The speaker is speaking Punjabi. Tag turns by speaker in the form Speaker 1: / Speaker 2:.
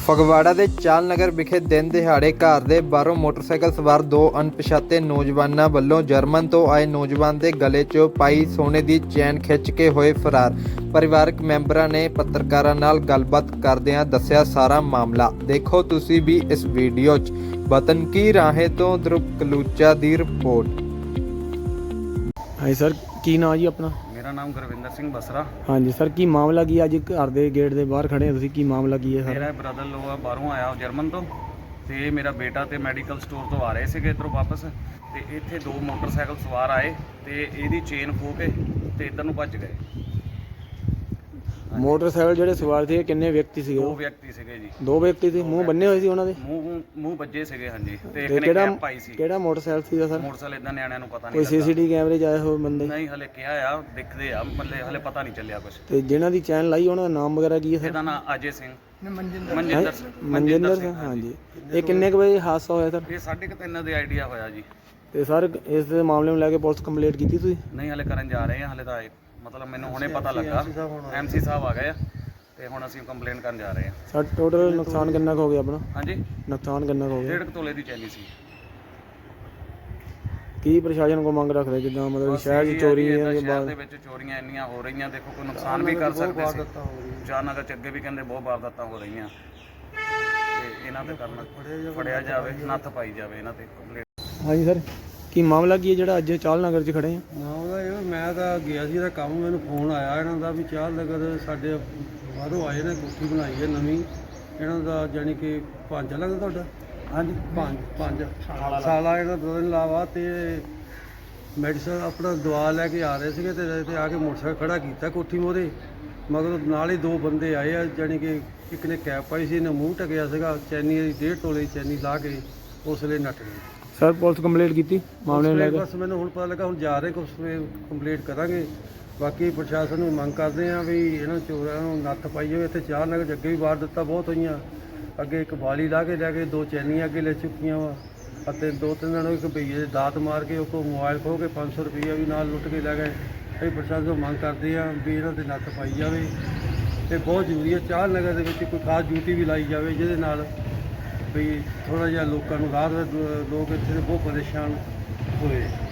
Speaker 1: ਫਗਵਾੜਾ ਦੇ ਚਾਲ ਨਗਰ ਵਿਖੇ ਦਿਨ ਦਿਹਾੜੇ ਘਰ ਦੇ ਬਾਹਰੋਂ ਮੋਟਰਸਾਈਕਲ ਸਵਾਰ ਦੋ ਅਣਪਛਾਤੇ ਨੌਜਵਾਨਾਂ ਵੱਲੋਂ ਜਰਮਨ ਤੋਂ ਆਏ ਨੌਜਵਾਨ ਦੇ ਗਲੇ 'ਚੋਂ ਪਾਈ ਸੋਨੇ ਦੀ ਚੈਨ ਖਿੱਚ ਕੇ ਹੋਏ ਫਰਾਰ। ਪਰਿਵਾਰਕ ਮੈਂਬਰਾਂ ਨੇ ਪੱਤਰਕਾਰਾਂ ਨਾਲ ਗੱਲਬਾਤ ਕਰਦਿਆਂ ਦੱਸਿਆ ਸਾਰਾ ਮਾਮਲਾ। ਦੇਖੋ ਤੁਸੀਂ ਵੀ ਇਸ ਵੀਡੀਓ 'ਚ। ਵਤਨ ਕੀ ਰਾਹੇ ਤੋਂ ਧਰੁਵ ਕਲੂਚਾ ਦੀ ਰਿਪੋਰਟ।
Speaker 2: ਹਾਂਜੀ ਸਰ, ਕੀ ਨਾਂ ਜੀ ਆਪਣਾ?
Speaker 3: मेरा नाम गुरविंदर सिंह बसरा।
Speaker 2: ਹਾਂਜੀ ਸਰ, ਕੀ ਮਾਮਲਾ ਕੀ ਅੱਜ ਘਰ ਦੇ ਗੇਟ ਦੇ ਬਾਹਰ ਖੜੇ ਹੋ ਤੁਸੀਂ? ਕੀ ਮਾਮਲਾ ਕੀ ਹੈ ਸਰ?
Speaker 3: ਮੇਰਾ ਬ੍ਰਦਰ ਲੋਆ ਬਾਹਰੋਂ ਆਇਆ ਜਰਮਨ ਤੋਂ ਤੇ ਮੇਰਾ ਬੇਟਾ ਤੇ ਮੈਡੀਕਲ ਸਟੋਰ ਤੋਂ ਆ ਰਹੇ ਸੀਗੇ ਇੱਧਰੋਂ ਵਾਪਸ, ਤੇ ਇੱਥੇ ਦੋ ਮੋਟਰਸਾਈਕਲ ਸਵਾਰ ਆਏ ਤੇ ਇਹਦੀ ਚੇਨ ਖੋਹ ਕੇ ਤੇ ਇੱਧਰ ਨੂੰ ਭੱਜ ਗਏ।
Speaker 2: ਮੋਟਰਸਾਈਕਲ ਜਿਹੜੇ ਸਵਾਰ ਸੀ ਕਿੰਨੇ ਵਿਅਕਤੀ ਸੀਗੇ?
Speaker 3: ਦੋ ਵਿਅਕਤੀ ਸੀਗੇ ਜੀ।
Speaker 2: ਦੋ ਵਿਅਕਤੀ ਸੀ, ਮੂੰਹ ਬੰਨੇ ਹੋਏ ਸੀ ਉਹਨਾਂ ਦੇ?
Speaker 3: ਮੂੰਹ ਵੱਜੇ ਸੀਗੇ ਹਾਂਜੀ, ਤੇ ਇੱਕ
Speaker 2: ਤੇ
Speaker 3: ਨੇ ਕੈਪ ਪਾਈ ਸੀ।
Speaker 2: ਕਿਹੜਾ ਮੋਟਰਸਾਈਕਲ ਸੀਗਾ ਸਰ?
Speaker 3: ਮੋਟਰਸਾਈਕਲ ਇਦਾਂ ਨਿਆਣਿਆਂ ਨੂੰ ਪਤਾ
Speaker 2: ਕੋਈ
Speaker 3: ਨਹੀਂ ਲੱਗਾ।
Speaker 2: ਸੀਸੀਟੀਵੀ ਕੈਮਰੇ 'ਚ ਆਏ ਹੋਏ ਬੰਦੇ?
Speaker 3: ਨਹੀਂ, ਹਲੇ ਕਿਹਾ ਆ ਦਿਖਦੇ ਆ, ਮਤਲਬ ਹਲੇ ਪਤਾ ਨਹੀਂ ਚੱਲਿਆ ਕੁਝ।
Speaker 2: ਤੇ ਜਿਹਨਾਂ ਦੀ ਚੈਨ ਲਾਈ ਉਹਨਾਂ ਦਾ ਨਾਮ ਵਗੈਰਾ ਕੀ ਹੈ ਸਰ?
Speaker 3: ਇਹਦਾ ਨਾਮ ਅਜੇ ਸਿੰਘ
Speaker 2: ਮਨਜਿੰਦਰ ਸਿੰਘ। ਹਾਂਜੀ, ਇਹ ਕਿੰਨੇ ਕੁ ਵਜੇ ਹਾਦਸਾ ਹੋਇਆ ਸਰ?
Speaker 3: ਇਹ 3:30 ਦੇ ਆਈਡੀਆ ਹੋਇਆ ਜੀ।
Speaker 2: ਤੇ ਸਰ ਇਸ ਦੇ ਮਾਮਲੇ ਨੂੰ ਲੈ ਕੇ ਪੁਲਿਸ ਕੰਪਲੇਂਟ ਕੀਤੀ ਤੁਸੀਂ?
Speaker 3: ਨਹੀਂ, ਹਲੇ ਕਰਨ ਜਾ ਰਹੇ ਆ। ਹਲੇ ਤਾਂ ਮਤਲਬ ਮੈਨੂੰ ਹੁਣੇ ਪਤਾ ਲੱਗਾ, MC ਸਾਹਿਬ ਆ ਗਏ ਆ ਤੇ ਹੁਣ ਅਸੀਂ ਕੰਪਲੇਂਟ ਕਰਨ ਜਾ ਰਹੇ ਹਾਂ।
Speaker 2: ਸਰ ਟੋਟਲ ਨੁਕਸਾਨ ਕਿੰਨਾ ਕੁ ਹੋ ਗਿਆ ਆਪਣਾ?
Speaker 3: ਹਾਂਜੀ,
Speaker 2: ਨੁਕਸਾਨ ਕਿੰਨਾ ਕੁ ਹੋ ਗਿਆ?
Speaker 3: 1.5 ਤੋਲੇ ਦੀ ਚੈਨੀ ਸੀ।
Speaker 2: ਕੀ ਪ੍ਰਸ਼ਾਸਨ ਕੋ ਮੰਗ ਰੱਖਦੇ ਜਿੱਦਾਂ ਮਤਲਬ ਸ਼ਹਿਰ 'ਚ ਚੋਰੀ ਹੈ ਜਾਂ
Speaker 3: ਸ਼ਹਿਰ ਦੇ ਵਿੱਚ ਚੋਰੀਆਂ ਇੰਨੀਆਂ ਹੋ ਰਹੀਆਂ, ਦੇਖੋ ਕੋਈ ਨੁਕਸਾਨ ਵੀ ਕਰ ਸਕਦੇ ਸੀ। ਚਾਨਗਰ ਚ ਅੱਗੇ ਵੀ ਕਹਿੰਦੇ ਬਹੁਤ ਵਾਰਦਾਤਾਂ ਹੋ ਰਹੀਆਂ, ਤੇ ਇਹਨਾਂ ਤੇ ਕਰਨਾ ਫੜਿਆ ਜਾਵੇ, ਨੱਥ ਪਾਈ ਜਾਵੇ ਇਹਨਾਂ ਤੇ ਕੰਪਲੇਂਟ।
Speaker 2: ਹਾਂਜੀ ਸਰ, ਕੀ ਮਾਮਲਾ ਕੀ ਹੈ ਜਿਹੜਾ ਅੱਜ ਚਾਲ ਨਗਰ 'ਚ ਖੜੇ ਆ?
Speaker 4: ਮਾਮਲਾ ਇਹ ਮੈਂ ਤਾਂ ਗਿਆ ਸੀ ਇਹਦਾ ਕੰਮ, ਮੈਨੂੰ ਫੋਨ ਆਇਆ ਇਹਨਾਂ ਦਾ ਵੀ ਚਾਲ ਨਗਰ ਸਾਡੇ ਬਾਹਰੋਂ ਆਏ ਨੇ, ਕੋਠੀ ਬਣਾਈ ਹੈ ਨਵੀਂ ਇਹਨਾਂ ਦਾ, ਜਾਣੀ ਕਿ ਭਾਂਜਾ ਲੱਗਦਾ ਤੁਹਾਡਾ? ਹਾਂਜੀ, ਪੰਜ ਸਾਲਾ ਇਹਨਾਂ ਦੋ ਦਿਨ ਲਾਵਾ ਤੇ ਮੈਡੀਸਨ ਆਪਣਾ ਦਵਾ ਲੈ ਕੇ ਆ ਰਹੇ ਸੀਗੇ ਤੇ ਆ ਕੇ ਮੋਟਰਸਾਈਕਲ ਖੜਾ ਕੀਤਾ ਕੋਠੀ ਮੋਰੇ, ਮਗਰ ਨਾਲ ਹੀ ਦੋ ਬੰਦੇ ਆਏ ਆ, ਜਾਣੀ ਕਿ ਇੱਕ ਨੇ ਕੈਪ ਪਾਈ ਸੀ, ਇਹਨੇ ਮੂੰਹ ਢਕਿਆ ਸੀਗਾ, ਚੈਨੀ 1.5 ਤੋਲੇ ਚੈਨੀ ਲਾ ਕੇ ਉਸ ਵੇਲੇ ਨੱਠ ਗਏ।
Speaker 2: ਸਰ ਪੁਲਿਸ ਕੰਪਲੇਂਟ ਕੀਤੀ ਮਾਮਲੇ ਨੂੰ ਲੈ ਕੇ?
Speaker 4: ਬਸ ਮੈਨੂੰ ਹੁਣ ਪਤਾ ਲੱਗਾ, ਹੁਣ ਜਾ ਰਹੇ ਕੁਛ ਕੰਪਲੀਟ ਕਰਾਂਗੇ। ਬਾਕੀ ਪ੍ਰਸ਼ਾਸਨ ਨੂੰ ਮੰਗ ਕਰਦੇ ਆ ਵੀ ਇਹਨਾਂ ਚੋਰਾਂ ਨੂੰ ਨੱਥ ਪਾਈ ਜਾਵੇ। ਇੱਥੇ ਚਾਰ ਨਗਰ 'ਚ ਅੱਗੇ ਵੀ ਵਾਰਦਾਤਾਂ ਬਹੁਤ ਹੋਈਆਂ, ਅੱਗੇ ਇੱਕ ਬਾਲੀ ਲਾ ਕੇ ਲੈ ਕੇ ਦੋ ਚੈਨੀਆਂ ਅੱਗੇ ਲੈ ਚੁੱਕੀਆਂ ਵਾ, ਅਤੇ ਦੋ ਤਿੰਨ ਦਿਨ ਇੱਕ ਭਈਏ ਦੇ ਦਾਤ ਮਾਰ ਕੇ ਉਹ ਕੋਲ ਮੋਬਾਈਲ ਖੋਹ ਕੇ 500 ਰੁਪਈਆ ਵੀ ਨਾਲ ਲੁੱਟ ਕੇ ਲੈ ਗਏ। ਅਸੀਂ ਪ੍ਰਸ਼ਾਸਨ ਨੂੰ ਮੰਗ ਕਰਦੇ ਆ ਵੀ ਇਹਨਾਂ 'ਤੇ ਨੱਥ ਪਾਈ ਜਾਵੇ, ਤੇ ਬਹੁਤ ਜ਼ਰੂਰੀ ਹੈ ਚਾਰ ਨਗਰ ਦੇ ਵਿੱਚ ਕੋਈ ਖਾਸ ਡਿਊਟੀ ਵੀ ਲਾਈ ਜਾਵੇ ਜਿਹਦੇ ਨਾਲ ਵੀ ਥੋੜ੍ਹਾ ਜਿਹਾ ਲੋਕਾਂ ਨੂੰ ਰਾਹਤ, ਲੋਕ ਇੱਥੇ ਦੇ ਬਹੁਤ ਪਰੇਸ਼ਾਨ ਹੋਏ।